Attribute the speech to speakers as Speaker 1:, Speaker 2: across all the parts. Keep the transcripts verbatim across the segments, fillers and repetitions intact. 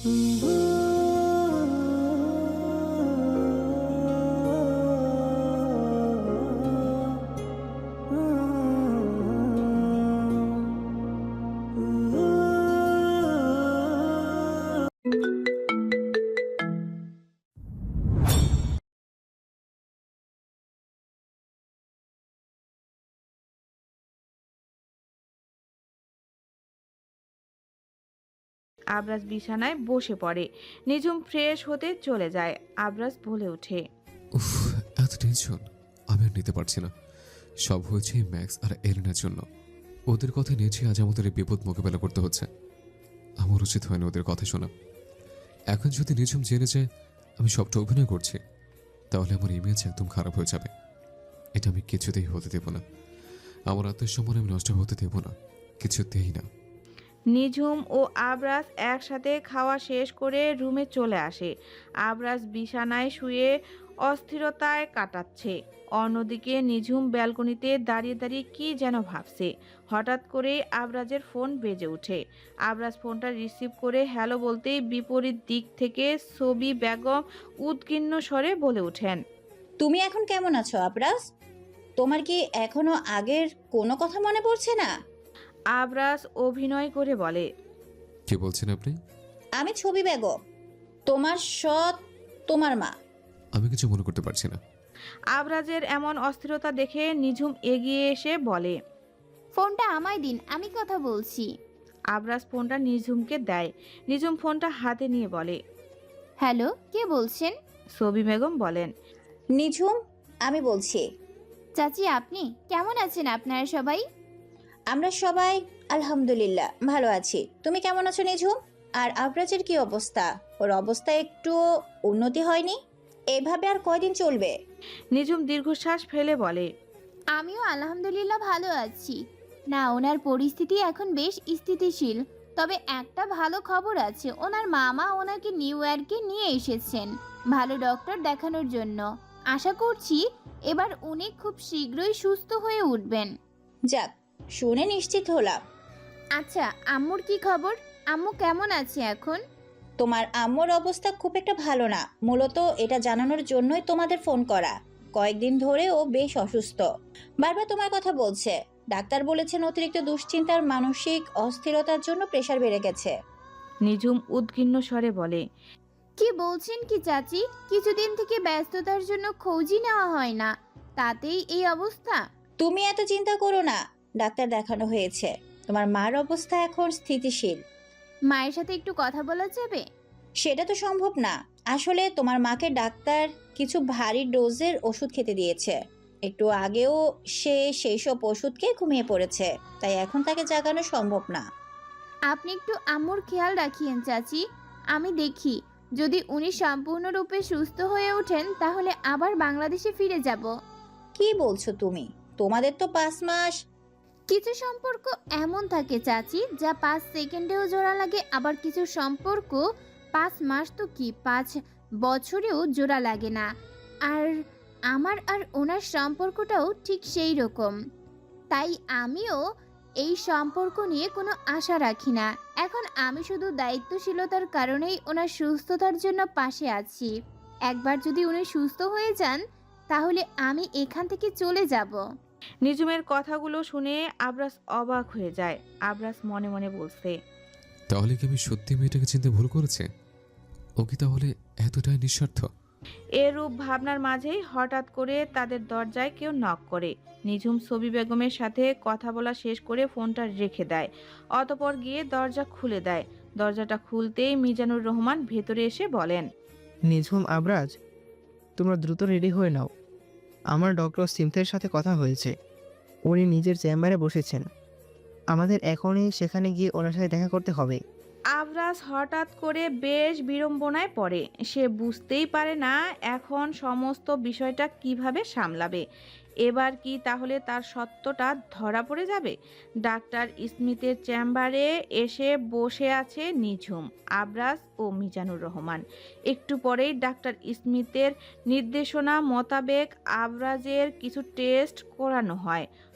Speaker 1: আবরাজ বিছানায় বসে পড়ে। নিঝুম ফ্রেশ হতে চলে যায়। আবরাজ বলে ওঠে,
Speaker 2: উফ, এত টেনশন আমি আর নিতে পারছি না। সব হয়েছে ম্যাক্স আর এলেনার জন্য। ওদের কথা নিয়েছি আজ আমাদের এই বিপদ মোকাবেলা করতে হচ্ছে। আমার উচিত হয়নি ওদের কথা শোনা। এখন যদি নিঝুম জেনে যায় আমি সবটা অভিনয় করছি, তাহলে আমার ইমেজ একদম খারাপ হয়ে যাবে। এটা আমি কিছুতেই হতে দেব না। আমার আত্মসম্মান আমি নষ্ট হতে দেব না, কিছুতেই না।
Speaker 1: নিঝুম ও আবরাজ একসাথে খাওয়া শেষ করে রুমে চলে আসে। আবরাজ বিছানায় শুয়ে অস্থিরতায় কাটাচ্ছে। অন্যদিকে নিঝুম ব্যালকনিতে দাঁড়িয়ে দাঁড়িয়ে কি যেন ভাবছে। হঠাৎ করে আবরাজের ফোন বেজে ওঠে। আবরাজ ফোনটা রিসিভ করে হ্যালো বলতেই বিপরীত দিক থেকে ছবি বেগম উদ্বিগ্ন স্বরে বলে ওঠেন,
Speaker 3: তুমি এখন কেমন আছো আবরাজ? তোমার কি এখনো আগের কোনো কথা মনে পড়ছে না?
Speaker 1: আবরাজ অভিনয় করে বলে,
Speaker 2: কি বলছেন আপনি?
Speaker 3: আমি ছবি বেগম, তোমার সৎ, তোমার মা।
Speaker 2: আমি কিছু মনে করতে পারছি না।
Speaker 1: আবরাজের এমন অস্থিরতা দেখে নিঝুম এগিয়ে এসে বলে,
Speaker 4: ফোনটা আমায় দিন, আমি কথা বলছি।
Speaker 1: আবরাজ ফোনটা নিঝুমকে দেয়। নিঝুম ফোনটা হাতে নিয়ে বলে,
Speaker 4: হ্যালো, কে বলছেন?
Speaker 1: ছবি বেগম বলেন,
Speaker 3: নিঝুম, আমি বলছি।
Speaker 4: চাচি, আপনি কেমন আছেন? আপনারা সবাই?
Speaker 3: আমরা সবাই আলহামদুলিল্লাহ ভালো আছি। তুমি কেমন আছো নিঝুম? আর আবরাজের কি অবস্থা? ওর অবস্থা একটু উন্নতি হয়নি? এভাবে আর কয়দিন চলবে?
Speaker 1: নিঝুম দীর্ঘশ্বাস ফেলে বলে,
Speaker 4: আমিও আলহামদুলিল্লাহ ভালো আছি। না, ওনার পরিস্থিতি এখন বেশ স্থিতিশীল। তবে একটা ভালো খবর আছে, ওনার মামা ওনাকে নিউ ইয়র্কে নিয়ে এসেছেন ভালো ডক্টর দেখানোর জন্য। আশা করছি এবার উনি খুব শীঘ্রই সুস্থ হয়ে উঠবেন।
Speaker 3: যাক, শুনে নিশ্চিত হলাম।
Speaker 4: আচ্ছা, আম্মুর কি খবর? আম্মু কেমন আছে এখন?
Speaker 3: তোমার আম্মুর অবস্থা খুব একটা ভালো না। মূলত এটা জানানোর জন্যই তোমাদের ফোন করা। কয়েকদিন ধরে ও বেশ অসুস্থ, বারবার তোমার কথা বলছে। ডাক্তার বলেছেন অতিরিক্ত দুশ্চিন্তার মানসিক অস্থিরতার জন্য প্রেশার বেড়ে গেছে।
Speaker 1: নিঝুম উদ্বিগ্ন স্বরে বলে,
Speaker 4: কি বলছেন কি চাচি? কিছুদিন থেকে ব্যস্ততার জন্য খোঁজই নেওয়া হয় না, তাতেই এই অবস্থা?
Speaker 3: তুমি এত চিন্তা করো না, ডাক্তার দেখানো হয়েছে। তোমার মার অবস্থা এখন স্থিতিশীল।
Speaker 4: মায়ের সাথে একটু কথা বলা যাবে?
Speaker 3: সেটা তো সম্ভব না। আসলে তোমার মাকে ডাক্তার কিছু ভারী ডোজের ওষুধ খেতে দিয়েছে। একটু আগেও সে সেই সব ওষুধ খেয়ে ঘুমিয়ে পড়েছে, তাই এখন তাকে জাগানো সম্ভব না।
Speaker 4: আপনি একটু আম্মুর খেয়াল রাখিয়েন চাচি। আমি দেখি, যদি উনি সম্পূর্ণরূপে সুস্থ হয়ে ওঠেন তাহলে আবার বাংলাদেশে ফিরে যাব।
Speaker 3: কি বলছো তুমি? তোমাদের তো পাঁচ মাস।
Speaker 4: কিছু সম্পর্ক এমন থাকে চাচি, যা পাঁচ সেকেন্ডেও জোড়া লাগে, আবার কিছু সম্পর্ক পাঁচ মাস তো কি পাঁচ বছরেও জোড়া লাগে না। আর আমার আর ওনার সম্পর্কটাও ঠিক সেই রকম। তাই আমিও এই সম্পর্ক নিয়ে কোনো আশা রাখি না। এখন আমি শুধু দায়িত্বশীলতার কারণেই ওনার সুস্থতার জন্য পাশে আছি। একবার যদি উনি সুস্থ হয়ে যান তাহলে আমি এখান থেকে চলে যাব।
Speaker 1: নিঝুমের কথাগুলো শুনে আবরাজ অবাক হয়ে যায়। আবরাজ মনে মনে বলছে,
Speaker 2: তাহলে কি আমি সত্যি মেয়েটাকে চিনতে ভুল করেছি? ও কি তাহলে এতটাই নিঃস্বার্থ?
Speaker 1: এরূপ ভাবনার মাঝেই হঠাৎ করে তাদের দরজায় কেউ নক করে। নিঝুম ছবি বেগমের সাথে কথা বলা শেষ করে ফোনটা রেখে দেয়। অতঃপর গিয়ে দরজা খুলে দেয়। দরজাটা খুলতেই মিজানুর রহমান ভেতরে এসে বলেন,
Speaker 5: নিঝুম, আবরাজ, তোমরা দ্রুত রেডি হয়ে নাও। আমার ডক্টর সিমথের সাথে কথা হয়েছে। উনি নিজের চেম্বারে বসেছেন। আমাদের এখনই সেখানে গিয়ে ওনার সাথে দেখা করতে হবে।
Speaker 1: আবরাজ হঠাৎ করে বেশ বিড়ম্বনায় পড়ে। সে বুঝতেই পারে না এখন সমস্ত বিষয়টা কিভাবে সামলাবে। এবার কি তাহলে তার সত্যটা ধরা পড়ে যাবে? ডাক্তার স্মিথের চেম্বারে এসে বসে আছে নিঝুম, আবরাজ ও মিজানুর রহমান। একটু পরেই ডাক্তার স্মিথের নির্দেশনা মোতাবেক আবরাজের কিছু টেস্ট করানো হয়।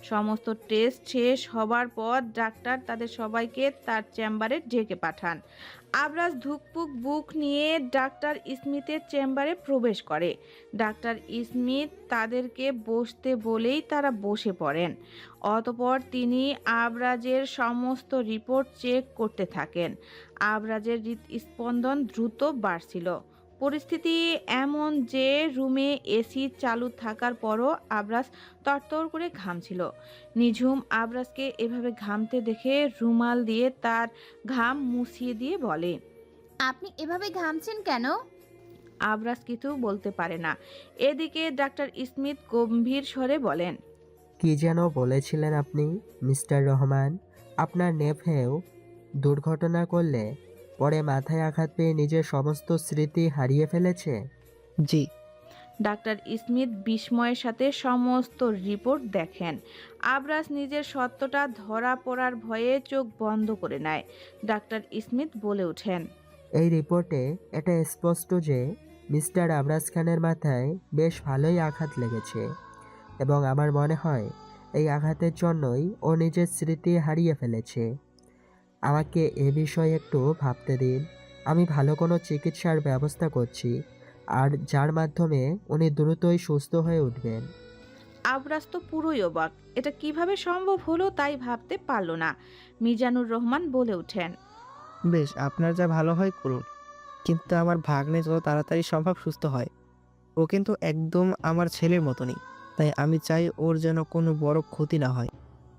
Speaker 1: সমস্ত টেস্ট শেষ হবার পর ডাক্তার তাদের সবাইকে তার চেম্বারে ডেকে পাঠান। আবরাজ ধুকপুক বুক নিয়ে ডাক্তার স্মিথের চেম্বারে প্রবেশ করে। ডাক্তার স্মিথ তাদেরকে বসতে বলেই তারা বসে পড়েন। অতঃপর তিনি আবরাজের সমস্ত রিপোর্ট চেক করতে থাকেন। আবরাজের হৃদস্পন্দন দ্রুত বাড়ছিল। পরিস্থিতি এমন যে রুমে এসি চালু থাকার পরও আবরাজ তরতর করে ঘামছিল। নিঝুম আবরাজকে এভাবে ঘামতে দেখে রুমাল দিয়ে তার ঘাম মুছিয়ে দিয়ে বলে,
Speaker 4: আপনি এভাবে ঘামছেন কেন?
Speaker 1: আবরাজ কিছু বলতে পারে না। এদিকে ডাক্তার স্মিথ গম্ভীর স্বরে বলেন,
Speaker 6: কি যেন বলেছিলেন আপনি মিস্টার রহমান? আপনার নেফেও দুর্ঘটনা করলে পরে মাথায় আঘাত পেয়ে নিজের সমস্ত স্মৃতি হারিয়ে ফেলেছে?
Speaker 5: জি।
Speaker 1: ডাক্তার স্মিথ বিস্ময়ের সাথে সমস্ত রিপোর্ট দেখেন। আবরাজ নিজের সত্যটা ধরা পড়ার ভয়ে চোখ বন্ধ করে নেয়। ডাক্তার স্মিথ বলে ওঠেন,
Speaker 6: এই রিপোর্টে এটা স্পষ্ট যে মিস্টার আবরাজ খানের মাথায় বেশ ভালোই আঘাত লেগেছে এবং আমার মনে হয় এই আঘাতের জন্যই ও নিজের স্মৃতি হারিয়ে ফেলেছে। আমাকে এ বিষয়ে একটু ভাবতে দিন। আমি ভালো কোনো চিকিৎসার ব্যবস্থা করছি, আর যার মাধ্যমে উনি দ্রুতই সুস্থ হয়ে উঠবেন।
Speaker 1: আবরাজ তো পুরোই অবাক। এটা কিভাবে সম্ভব হলো তাই ভাবতে পারল না। মিজানুর রহমান বলে ওঠেন,
Speaker 5: বেশ, আপনার যা ভালো হয় করুন, কিন্তু আমার ভাগ্নে যত তাড়াতাড়ি সম্ভব সুস্থ হয়। ও কিন্তু একদম আমার ছেলের মতনই, তাই আমি চাই ওর যেন কোনো বড় ক্ষতি না হয়।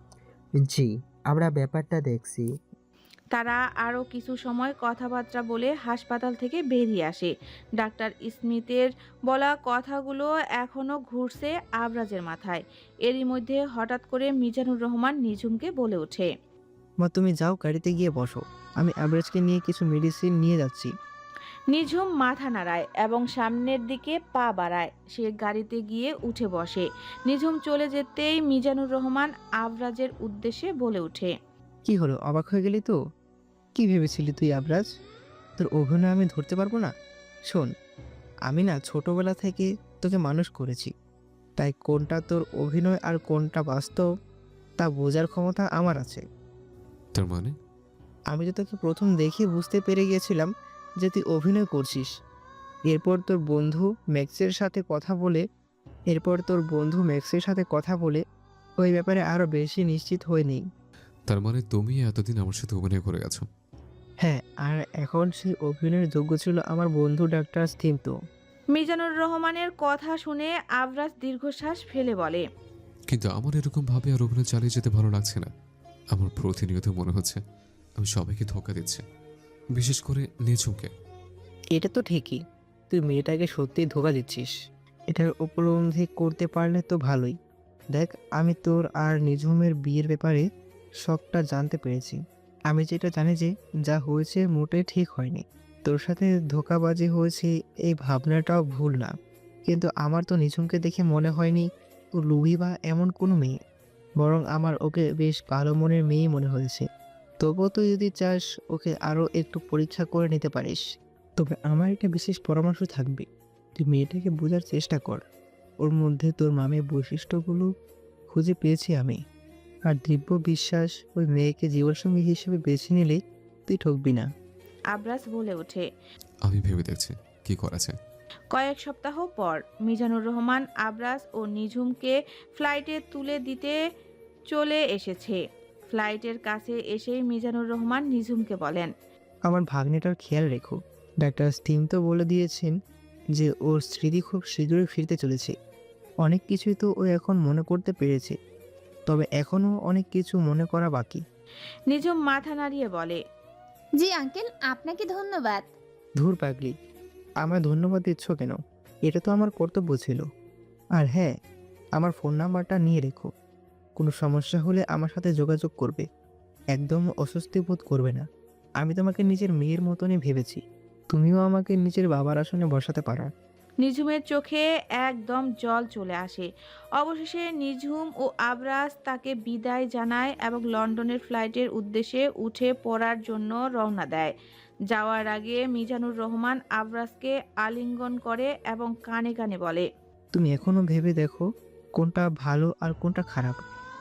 Speaker 6: জি, আমরা ব্যাপারটা দেখছি।
Speaker 1: তারা আরও কিছু সময় কথাবার্তা বলে হাসপাতাল থেকে বেরিয়ে আসে। ডাক্তার স্মিথের বলা কথাগুলো এখনও ঘুরছে আবরাজের মাথায়। এরই মধ্যে হঠাৎ করে মিজানুর রহমান নিঝুমকে বলে ওঠে,
Speaker 5: মা, তুমি যাও, গাড়িতে গিয়ে বসো, আমি অ্যাভারেজকে নিয়ে কিছু মেডিসিন নিয়ে যাচ্ছি।
Speaker 1: নিঝুম মাথা নাড়ায় এবং সামনের দিকে পা বাড়ায়। সে গাড়িতে গিয়ে উঠে বসে। নিঝুম চলে যেতেই মিজানুর রহমান আবরাজের উদ্দেশ্যে বলে ওঠে,
Speaker 5: কি হলো, অবাক হয়ে গেলি তো? কি ভেবেছিলি তুই আবরাজ? তোর অভিনয় আমি ধরতে পারবো না? শোন, আমি না ছোটবেলা থেকে তোকে মানুষ করেছি, তাই কোনটা তোর অভিনয় আর কোনটা বাস্তব তা বোঝার ক্ষমতা আমার আছে।
Speaker 2: তার মানে?
Speaker 5: আমি তো তোকে প্রথম দেখে বুঝতে পেরে গিয়েছিলাম যে তুই অভিনয় করছিস। এরপর তোর বন্ধু ম্যাক্সের সাথে কথা বলে এরপর তোর বন্ধু ম্যাক্সের সাথে কথা বলে ওই ব্যাপারে আরও বেশি নিশ্চিত হয়ে নেই।
Speaker 2: তার মানে তুমি এতদিন আমার সাথে অভিনয় করে গেছো?
Speaker 5: হ্যাঁ, আর এখন সেই অভিনয়ের যোগ্য ছিল আমার বন্ধু ডাক্তার স্মিথ।
Speaker 1: মিজানুর রহমানের কথা শুনে আবরাজ দীর্ঘশ্বাস ফেলে বলে,
Speaker 2: কিন্তু আমার এরকম ভাবে আর অভিনয় চালিয়ে যেতে ভালো লাগছে না। আমার প্রতিনিয়ত মনে হচ্ছে আমি সবাইকে ধোঁকা দিচ্ছি, বিশেষ করে নিঝুমকে।
Speaker 5: এটা তো ঠিকই, তুই মেয়েটাকে সত্যিই ধোকা দিচ্ছিস। এটার উপলব্ধি করতে পারলে তো ভালোই। দেখ, আমি তোর আর নিঝুমের বিয়ের ব্যাপারে সবটা জানতে পেরেছি। আমি যেটা জানি যে যা হয়েছে মোটেই ঠিক হয়নি। তোর সাথে ধোঁকাবাজি হয়েছে এই ভাবনাটাও ভুল না, কিন্তু আমার তো নিঝুমকে দেখে মনে হয়নি ও লুবি বা এমন কোনো মেয়ে, বরং আমার ওকে বেশ ভালো মনের মেয়েই মনে হয়েছে। তবুও তুই যদি চাস ওকে আরও একটু পরীক্ষা করে নিতে পারিস। তবে আমার একটা বিশেষ পরামর্শ থাকবে, তুই মেয়েটাকে বোঝার চেষ্টা কর। ওর মধ্যে তোর মামের বৈশিষ্ট্যগুলো খুঁজে পেয়েছি আমি, আর দিব্য বিশ্বাস ওই মেয়েকে জীবনসঙ্গী হিসেবে বেছে নিলে তুই ঠকবি না।
Speaker 1: আবরাজ বলে ওঠে।
Speaker 2: আমি ভেবে দেখছি কি করা যায়।
Speaker 1: কয়েক সপ্তাহ পর মিজানুর রহমান আবরাজ ও নিঝুমকে ফ্লাইটে তুলে দিতে চলে এসেছে। ফ্লাইটের কাছে এসেই মিজানুর রহমান নিঝুমকে বলেন,
Speaker 5: আমার ভাগ্নেটার খেয়াল রেখো। ডাক্তার স্টিম তো বলে দিয়েছেন যে ওর স্মৃতি খুব শীঘ্রই ফিরতে চলেছে। অনেক কিছুই তো ও এখন মনে করতে পেরেছে, তবে এখনও অনেক কিছু মনে করা বাকি।
Speaker 1: নিঝুম মাথা নাড়িয়ে বলে,
Speaker 4: জি আঙ্কেল, আপনাকে ধন্যবাদ।
Speaker 5: ধুর পাগলি, আমায় ধন্যবাদ দিচ্ছ কেন? এটা তো আমার কর্তব্য ছিল। আর হ্যাঁ, আমার ফোন নাম্বারটা নিয়ে রেখো। কোনো সমস্যা হলে আমার সাথে যোগাযোগ করবে। একদম অস্বস্তি বোধ করবে না। আমি তোমাকে নিজের মেয়ের মতনই ভেবেছি। তুমিও আমাকে নিজের বাবার আসনে বসাতে পারো।
Speaker 1: নিঝুমের চোখে একদম জল চলে আসে। অবশেষে নিঝুম ও আবরাজ তাকে বিদায় জানায় এবং লন্ডনের ফ্লাইটের উদ্দেশ্যে উঠে পড়ার জন্য রওনা দেয়। যাওয়ার আগে মিজানুর রহমান আবরাজকে আলিঙ্গন করে এবং কানে কানে বলে,
Speaker 5: তুমি এখনো ভেবে দেখো কোনটা ভালো আর কোনটা খারাপ।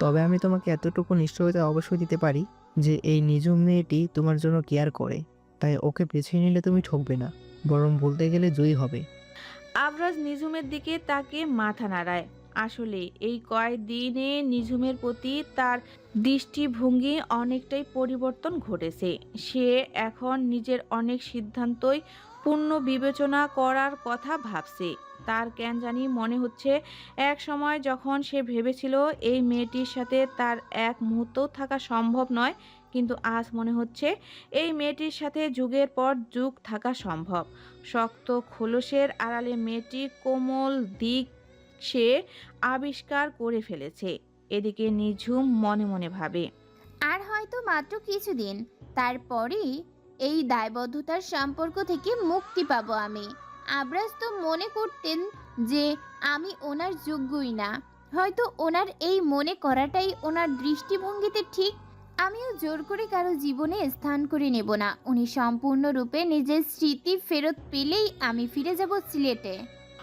Speaker 5: তবে আমি তোমাকে এতটুকু নিশ্চয়তা অবশ্যই দিতে পারি যে এই নিজুম মেয়েটি তোমার জন্য কেয়ার করে, তাই ওকে বেছে নিলে তুমি ঠকবে না, বরং বলতে গেলে জয়ী হবে।
Speaker 1: আবরাজ নিঝুমের দিকে তাকে মাথা নাড়ায়। আসলে এই কয়েকদিনে নিঝুমের প্রতি তার দৃষ্টিভঙ্গি অনেকটাই পরিবর্তন ঘটেছে। সে এখন নিজের অনেক সিদ্ধান্তই পূর্ণ বিবেচনা করার কথা ভাবছে। তার কেন জানি মনে হচ্ছে এক সময় যখন সে ভেবেছিল এই মেয়েটির সাথে তার এক মুহূর্তও থাকা সম্ভব নয়, কিন্তু আজ মনে হচ্ছে এই মেয়েটির সাথে যুগের পর যুগ থাকা সম্ভব। শক্ত খোলসের আড়ালে মেয়েটির কোমল দিক সে আবিষ্কার করে ফেলেছে। এদিকে নিঝুম মনে মনে ভাবে,
Speaker 4: আর হয়তো মাত্র কিছুদিন, তারপরেই এই দায়বদ্ধতার সম্পর্ক থেকে মুক্তি পাবো আমি। আবরাজ তো মনে করতেন যে আমি ওনার যোগ্যই না। হয়তো ওনার এই মনে করাটাই ওনার দৃষ্টিভঙ্গিতে ঠিক। আমিও জোর করে কারো জীবনে স্থান করে নেব না। উনি সম্পূর্ণরূপে নিজের স্মৃতি ফেরত পেলেই আমি ফিরে যাব সিলেটে।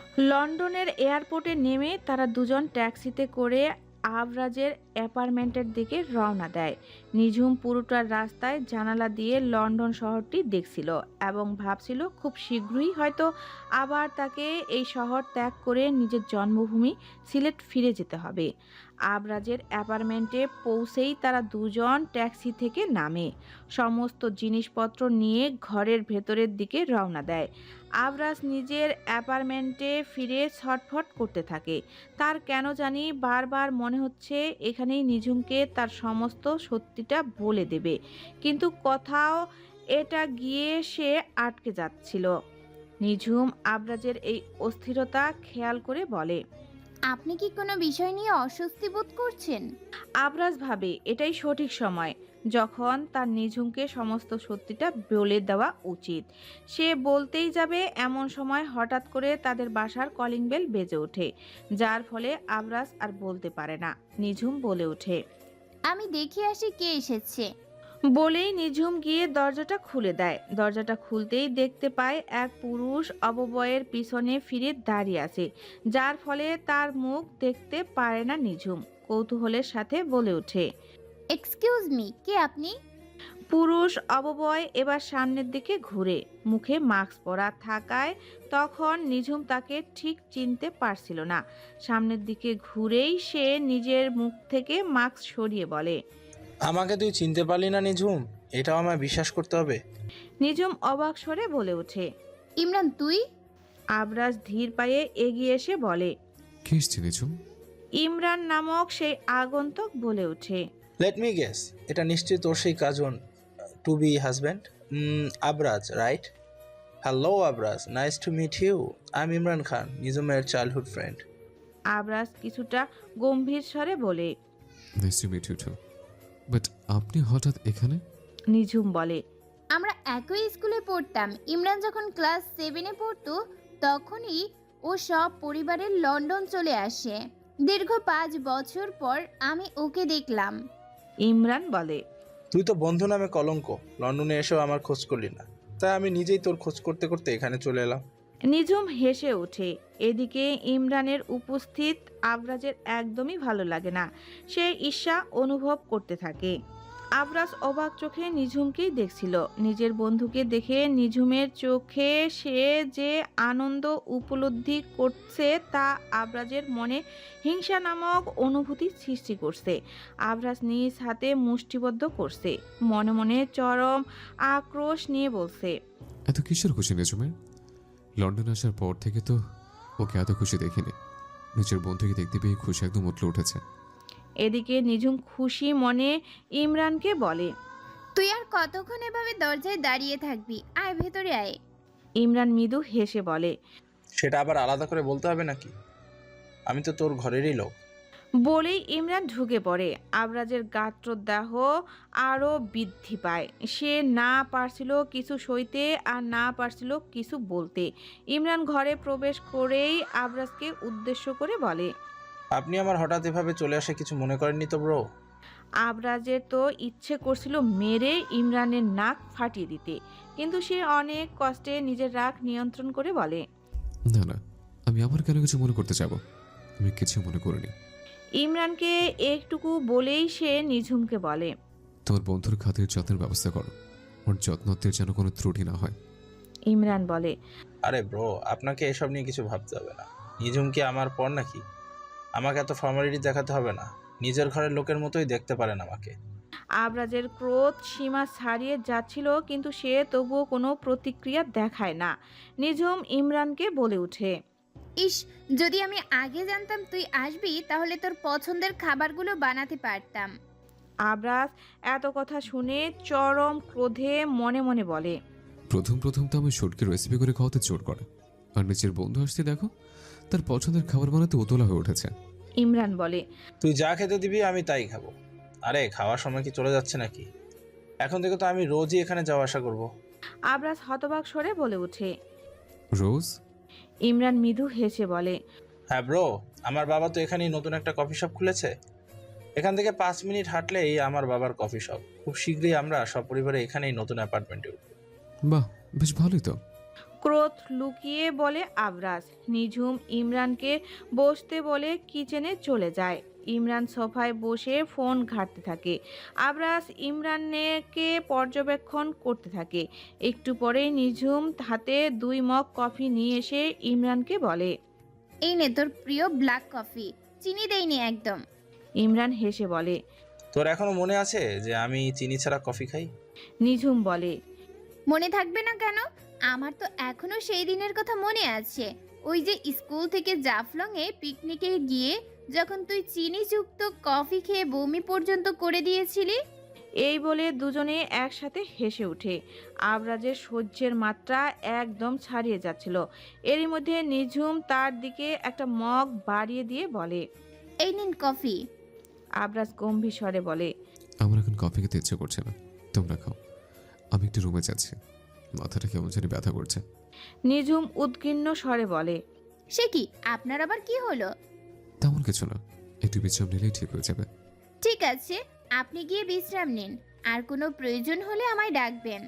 Speaker 1: লন্ডনের এয়ারপোর্টে নেমে তারা দুজন ট্যাক্সিতে করে আবরাজের অ্যাপার্টমেন্টের দিকে রওনা দেয়। নিঝুম পুরোটার রাস্তায় জানালা দিয়ে লন্ডন শহরটি দেখছিল এবং ভাবছিল খুব শীঘ্রই হয়তো আবার তাকে এই শহর ত্যাগ করে নিজের জন্মভূমি সিলেট ফিরে যেতে হবে। আবরাজের অ্যাপার্টমেন্টে পৌঁছেই তারা দুজন ট্যাক্সি থেকে নামে, সমস্ত জিনিসপত্র নিয়ে ঘরের ভেতরের দিকে রওনা দেয়। আবরাজ নিজের অ্যাপার্টমেন্টে ফিরে ছটফট করতে থাকে। তার কেন জানি বারবার মনে হচ্ছে এখানেই নিঝুমকে তার সমস্ত সত্যিটা বলে দেবে, কিন্তু কোথাও এটা গিয়ে সে আটকে যাচ্ছিল। নিঝুম আবরাজের এই অস্থিরতা খেয়াল করে বলে,
Speaker 4: আপনি কি কোনো বিষয় নিয়ে অস্বস্তি বোধ করছেন?
Speaker 1: আবরাজ ভাবে এটাই সঠিক সময় যখন তার নিঝুমকে সমস্ত সত্যিটা বলে দেওয়া উচিত। সে বলতেই যাবে এমন সময় হঠাৎ করে তাদের বাসার কলিং বেল বেজে ওঠে, যার ফলে আবরাজ আর বলতে পারে না। নিঝুম বলে ওঠে,
Speaker 4: আমি দেখে আসি কে এসেছে।
Speaker 1: বলেই নিঝুম গিয়ে দরজাটা খুলে দেয়। দরজাটা খুলতেই দেখতে পায় এক পুরুষ অববয়ের পিছনে ফিরে দাঁড়িয়ে আছে, যার ফলে তার মুখ দেখতে পারে না নিঝুম। কৌতূহলের সাথে বলে ওঠে,
Speaker 4: এক্সকিউজ মি, কে আপনি?
Speaker 1: পুরুষ অববয় এবার সামনের দিকে ঘুরে, মুখে মাস্ক পরা থাকায় তখন নিঝুম তাকে ঠিক চিনতে পারছিল না। সামনের দিকে ঘুরেই সে নিজের মুখ থেকে মাস্ক সরিয়ে বলে,
Speaker 7: আমাকে তুই চিনতে পারলি না নিঝুম? এটাও আমায় বিশ্বাস করতে হবে?
Speaker 1: নিঝুম অবাক স্বরে বলে ওঠে।
Speaker 4: ইমরান তুই?
Speaker 1: আবরাজ ধীর পায়ে এগিয়ে এসে বলে,
Speaker 2: কে এসছে নিঝুম?
Speaker 1: ইমরান নামক সেই আগন্তুক বলে ওঠে,
Speaker 7: লেট মি গেস, এটা নিশ্চয়ই তোর সেই cousin, to be husband, Abraj, right? Hello Abraj, nice to meet you. I am Imran Khan, নিঝুমের চাইল্ডহুড ফ্রেন্ড।
Speaker 1: আবরাজ কিছুটা গম্ভীর স্বরে বলে,
Speaker 2: nice to meet you too. But আপনি হঠাৎ এখানে?
Speaker 1: নিঝুম বলে,
Speaker 4: আমরা একই স্কুলে পড়তাম। ইমরান যখন ক্লাস সেভেনে পড়তো তখনই ও সব পরিবারের লন্ডন চলে আসে। দীর্ঘ পাঁচ বছর পর আমি ওকে দেখলাম।
Speaker 1: ইমরান বলে,
Speaker 7: তুই তো বন্ধু নামে কলঙ্ক, লন্ডনে এসেও আমার খোঁজ করলি না, তাই আমি নিজেই তোর খোঁজ করতে করতে এখানে চলে এলাম।
Speaker 1: নিঝুম হেসে ওঠে। এদিকে ইমরানের উপস্থিত আবরাজের একদমই ভালো লাগে না। সে ঈর্ষা অনুভব করতে থাকে। আবরাজ অবাক চোখে নিঝুমকেই দেখছিল। নিজের বন্ধুকে দেখে নিঝুমের চোখে সে যে আনন্দ উপলব্ধি করছে তা আবরাজের মনে হিংসা নামক অনুভূতি সৃষ্টি করছে। আবরাজ নিজ হাতে মুষ্টিবদ্ধ করছে, মনে মনে চরম আক্রোশ নিয়ে বলছে,
Speaker 2: এত কিসের খুশি নিঝুমের? লন্ডন আসার পর থেকে তো ওকে এত খুশি দেখিনি। নিজের বন্ধুকে দেখতে পেয়ে খুশি একদম উঠলে উঠেছে।
Speaker 1: এদিকে নিঝুম খুশি মনে ইমরানকে বলে,
Speaker 4: তুই আর কতক্ষণ এভাবে দরজায় দাঁড়িয়ে থাকবি? আয় ভেতরে আয়।
Speaker 1: ইমরান মৃদু হেসে বলে,
Speaker 7: সেটা আবার আলাদা করে বলতে হবে নাকি? আমি তো তোর ঘরেরই লোক।
Speaker 1: বলেই ইমরান ঢুকে পড়ে। আবরাজের গাত্রদাহ আরও বৃদ্ধি পায়। সে না পারছিল কিছু সইতে আর না পারছিল কিছু বলতে। ইমরান ঘরে প্রবেশ করেই আবরাজকে উদ্দেশ্য করে বলে,
Speaker 7: আপনি আমার হঠাৎ এভাবে চলে আসে কিছু মনে করেননি তো ব্রো?
Speaker 1: আবরাজের তো ইচ্ছে করছিল মেরে ইমরানের নাক ফাটিয়ে দিতে, কিন্তু সে অনেক কষ্টে নিজের রাগ নিয়ন্ত্রণ করে বলে,
Speaker 2: না না, আমি আবার কেন কিছু মনে করতে যাব? আমি কিছু মনে করিনি।
Speaker 1: ইমরানকে একটুকু বলেই সে নিঝুমকে বলে,
Speaker 2: তোমার বন্ধুর খাতির যত্নের ব্যবস্থা করো, ওর যত্নতের যেন কোনো ত্রুটি না হয়।
Speaker 1: ইমরান বলে,
Speaker 7: আরে ব্রো, আপনাকে এসব নিয়ে কিছু ভাবতে হবে না। নিঝুম কি আমার পর নাকি? আমাকে এত ফর্মালিটি দেখাতে হবে না। নিজের ঘরের লোকের মতোই দেখতে পারেন আমাকে।
Speaker 1: আবরাজের ক্রোধ সীমা ছাড়িয়ে যাচ্ছিল, কিন্তু সে তবুও কোনো প্রতিক্রিয়া দেখায় না। নিঝুম ইমরানকে বলে ওঠে,
Speaker 4: ইস, যদি আমি আগে জানতাম তুই আসবি তাহলে তোর পছন্দের খাবারগুলো বানাতে পারতাম।
Speaker 1: আবরাজ এত কথা শুনে চরম ক্রোধে মনে মনে বলে,
Speaker 2: প্রথম প্রথম তো আমি শর্টকে রেসিপি করে খাওয়াতে জোর করে, আর নিজের বন্ধু আসতে দেখো তার পছন্দের খাবার বানাতে উতলা হয়ে উঠেছে।
Speaker 1: ইমরান বলে,
Speaker 7: তুই যা খেতে দিবি আমি তাই খাবো। আরে খাওয়ার সময় কি চলে যাচ্ছে নাকি? এখন থেকে তো আমি রোজই এখানে যাওয়া আসা করব।
Speaker 1: আবরাজ হতবাক স্বরে বলে ওঠে।
Speaker 2: রোজ?
Speaker 1: ইমরান মৃদু হেসে বলে,
Speaker 7: হ্যাঁ ব্রো, আমার বাবা তো এখানেই নতুন একটা কফি শপ খুলেছে। এখান থেকে পাঁচ মিনিট হাঁটলেই আমার বাবার কফি শপ। খুব শীঘ্রই আমরা সপরিবারে এখানেই নতুন অ্যাপার্টমেন্টে উঠব।
Speaker 2: বাহ, বেশ ভালোই তো।
Speaker 1: ক্রোধ লুকিয়ে বলে আবরাজ। নিঝুম ইমরানকে বসতে বলে কিচেনে চলে যায়। ইমরান সোফায় বসে ফোন ঘাঁটতে থাকে। আবরাজ ইমরানকে পর্যবেক্ষণ করতে থাকে। একটু পরে নিঝুম হাতে দুই মগ কফি নিয়ে এসে ইমরানকে বলে,
Speaker 4: এই নে তোর প্রিয় ব্ল্যাক কফি, চিনি দেইনি একদম।
Speaker 1: ইমরান হেসে বলে,
Speaker 7: তোর এখনো মনে আছে যে আমি চিনি ছাড়া কফি খাই?
Speaker 1: নিঝুম বলে,
Speaker 4: মনে থাকবে না কেন? আমার তো এখনো সেই দিনের কথা মনে আছে। ওই যে স্কুল থেকে জাফলংয়ে পিকনিকে গিয়ে যখন তুই চিনিযুক্ত কফি খেয়ে বমি পর্যন্ত করে দিয়েছিলি।
Speaker 1: এই বলে দুজনে একসাথে হেসে ওঠে। আবরাজের সহ্যের মাত্রা একদম ছাড়িয়ে যাচ্ছিল। এরই মধ্যে নিঝুম তার দিকে একটা মগ বাড়িয়ে দিয়ে বলে,
Speaker 4: এই নিন কফি।
Speaker 1: আবরাজ গম্ভীর স্বরে বলে,
Speaker 2: আমার এখন কফি খেতে ইচ্ছে করছে না, তোমরা খাও। আমি একটু রুমে যাচ্ছি, মাথাটা কেমন জানি ব্যথা করছে।
Speaker 1: নিঝুম উদ্গিন্ন স্বরে বলে,
Speaker 4: সে কি, আপনার আবার কি হলো?
Speaker 2: তেমন কিছু না, একটু বিশ্রাম নিলেই ঠিক হয়ে যাবে।
Speaker 4: ঠিক আছে, আপনি গিয়ে বিশ্রাম নিন, আর কোনো প্রয়োজন হলে আমায় ডাকবেন।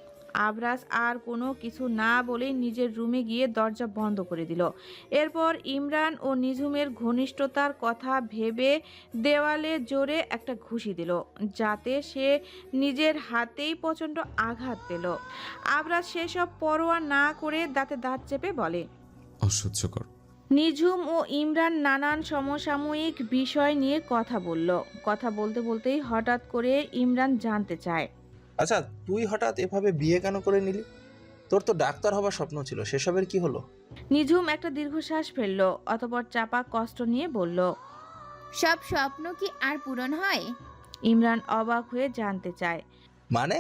Speaker 1: আবরাজ আর কোনো কিছু না বলে নিজের রুমে গিয়ে দরজা বন্ধ করে দিল। এরপর ইমরান ও নিঝুমের ঘনিষ্ঠতার কথা ভেবে দেওয়ালে জোরে একটা ঘুষি দিল, যাতে সে নিজের হাতেই প্রচণ্ড আঘাত পেল। আবরাজ সেসব পরোয়া না করে দাঁতে দাঁত চেপে বলে,
Speaker 2: অসহ্যকর।
Speaker 1: নিঝুম ও ইমরান নানান সমসাময়িক বিষয় নিয়ে কথা বলল। কথা বলতে বলতেই হঠাৎ করে ইমরান জানতে চায়,
Speaker 7: আচ্ছা, তুই হঠাৎ এভাবে বিয়ে কেন করে নিলি? তোর তো ডাক্তার হবার স্বপ্ন ছিল, সেসবের কি হলো?
Speaker 1: নিঝুম একটা দীর্ঘশ্বাস ফেলল, অতঃপর চাপা কষ্ট নিয়ে বলল,
Speaker 4: সব স্বপ্ন কি আর পূরণ হয়?
Speaker 1: ইমরান অবাক হয়ে জানতে চায়।
Speaker 7: মানে?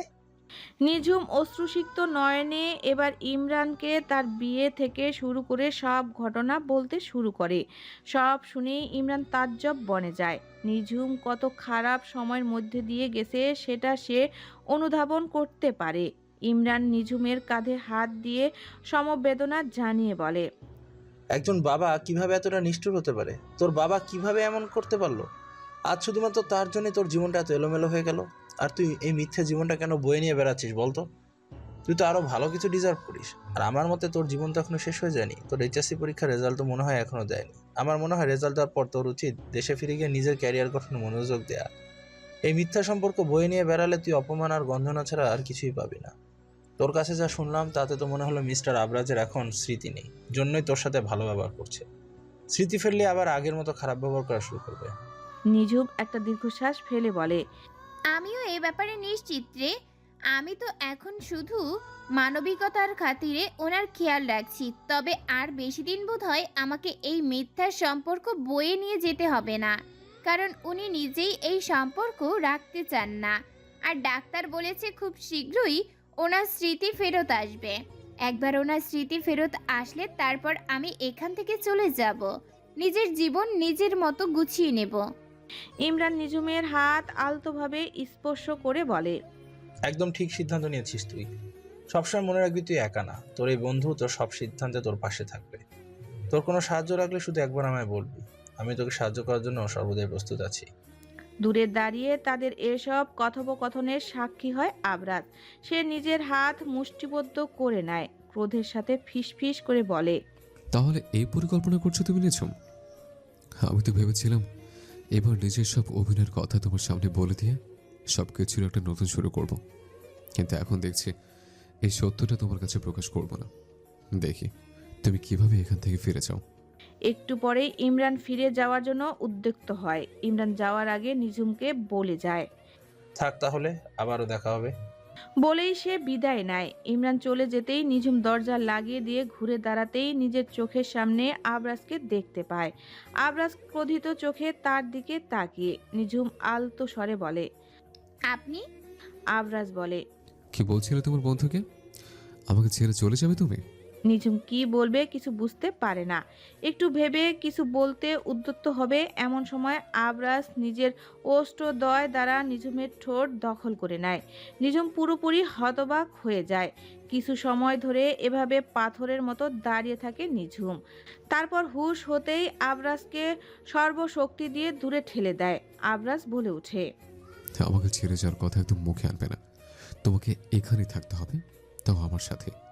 Speaker 1: নিঝুম অশ্রুসিক্ত নয়নে এবার ইমরানকে তার বিয়ে থেকে শুরু করে সব ঘটনা বলতে শুরু করে। সব শুনেই ইমরান তাজ্জব বনে যায়। নিঝুম কত খারাপ সময়ের মধ্যে দিয়ে গেছে সেটা সে অনুধাবন করতে পারে। ইমরান নিঝুমের কাঁধে হাত দিয়ে সমবেদনা জানিয়ে বলে,
Speaker 7: একজন বাবা কিভাবে এতটা নিষ্ঠুর হতে পারে? তোর বাবা কিভাবে এমন করতে পারলো? আজ শুধুমাত্র তার জন্য তোর জীবনটা এত এলোমেলো হয়ে গেল। আর তুই এই মিথ্যে জীবনটা কেন বয়ে নিয়ে বেড়াচ্ছিস বলতো? তুই তো আরো ভালো কিছু ডিজার্ভ করিস। আর আমার মতে তোর জীবন তো এখনো শেষ হয়ে যায়নি। তোর এইচএসসি পরীক্ষার রেজাল্ট তো মনে হয় এখনো দেয়নি। আমার মনে হয় রেজাল্ট দেওয়ার পর তোর উচিত দেশে ফিরে গিয়ে নিজের ক্যারিয়ার গঠনে মনোযোগ দেয়া। এই মিথ্যা সম্পর্ক বয়ে নিয়ে বেড়ালে তুই অপমান আর গন্ধনা ছাড়া আর কিছুই পাবি না। তোর কাছে যা শুনলাম তাতে তো মনে হলো মিস্টার আবরাজের এখন স্মৃতি নেই, জন্যই তোর সাথে ভালো ব্যবহার করছে। স্মৃতি ফেললে আবার আগের মতো খারাপ ব্যবহার করা শুরু করবে।
Speaker 1: নিঝুম একটা দীর্ঘশ্বাস ফেলে বলে,
Speaker 4: আমিও এ ব্যাপারে নিশ্চিত রে। আমি তো এখন শুধু মানবিকতার খাতিরে ওনার খেয়াল রাখছি। তবে আর বেশি দিন বোধ হয় আমাকে এই মিথ্যার সম্পর্ক বয়ে নিয়ে যেতে হবে না, কারণ উনি নিজেই এই সম্পর্ক রাখতে চান না। আর ডাক্তার বলেছে খুব শীঘ্রই ওনার স্মৃতি ফেরত আসবে। একবার ওনার স্মৃতি ফেরত আসলে তারপর আমি এখান থেকে চলে যাব, নিজের জীবন নিজের মতো গুছিয়ে নেব।
Speaker 1: ইমরান নিঝুমের হাত আলতোভাবে স্পর্শ করে বলে,
Speaker 7: একদম ঠিক সিদ্ধান্ত নিয়েছিস তুই। সবসময় মনে রাখবি তুই একা না, তোর এই বন্ধু তোর সব সিদ্ধান্তে তোর পাশে থাকবে। তোর কোনো সাহায্য লাগলে শুধু একবার আমায় বলবি, আমি তোকে সাহায্য করার জন্য সর্বদাই প্রস্তুত আছি।
Speaker 1: দূরে দাঁড়িয়ে তাদের এসব কথোপকথনের সাক্ষী হয় আবরাজ। সে নিজের হাত মুষ্টিবদ্ধ করে নেয়, ক্রোধের সাথে ফিসফিস করে বলে,
Speaker 2: তাহলে এই পরিকল্পনা করছো তুমি নিঝুম? আমি তো ভেবেছিলাম এবার নিজের সব অভিনয়ের কথা তোমার সামনে বলে দিয়ে সব কিছুর একটা নতুন শুরু করব। কিন্তু এখন দেখছি এই সত্যটা তোমার কাছে প্রকাশ করব না। দেখি তুমি কিভাবে এখান থেকে ফিরে যাও।
Speaker 1: একটু পরেই ইমরান ফিরে যাওয়ার জন্য উদ্যুক্ত হয়। ইমরান যাওয়ার আগে নিঝুমকে বলে যায়।
Speaker 7: থাক তাহলে, আবারও দেখা হবে।
Speaker 1: বলেই সে বিদায় নেয়। ইমরান চলে যেতেই নিঝুম দরজা লাগিয়ে দিয়ে ঘুরে দাঁড়াতেই নিজের চোখের সামনে আবরাজকে দেখতে পায়। আবরাজ ক্রোধিত চোখে তার দিকে তাকিয়ে নিঝুম আলতো স্বরে বলে।
Speaker 4: আপনি?
Speaker 1: আবরাজ বলে।
Speaker 2: কি বলছিলে তোমার বন্ধুকে? আমাকে ছেড়ে চলে যাবে তুমি?
Speaker 1: নিঝুম কি বলবে কিছু বুঝতে পারে না। একটু ভেবে কিছু বলতে উদ্যত হবে এমন সময় আবরাজ নিজের ওষ্ঠদ্বয় দ্বারা নিঝুমের ঠোঁট দখল করে নেয়। নিঝুম পুরোপুরি হতবাক হয়ে যায়। কিছু সময় ধরে এভাবে পাথরের মতো দাঁড়িয়ে থাকে নিঝুম। তারপর হুঁশ হতেই আবরাজকে সর্বশক্তি দিয়ে দূরে ঠেলে দেয়। আবরাজ বলে ওঠে।
Speaker 2: আমাকে ছেড়ে যাওয়ার কথা একদম মুখে আনবে না। তোমাকে এখানেই থাকতে হবে, তাও আমার সাথে।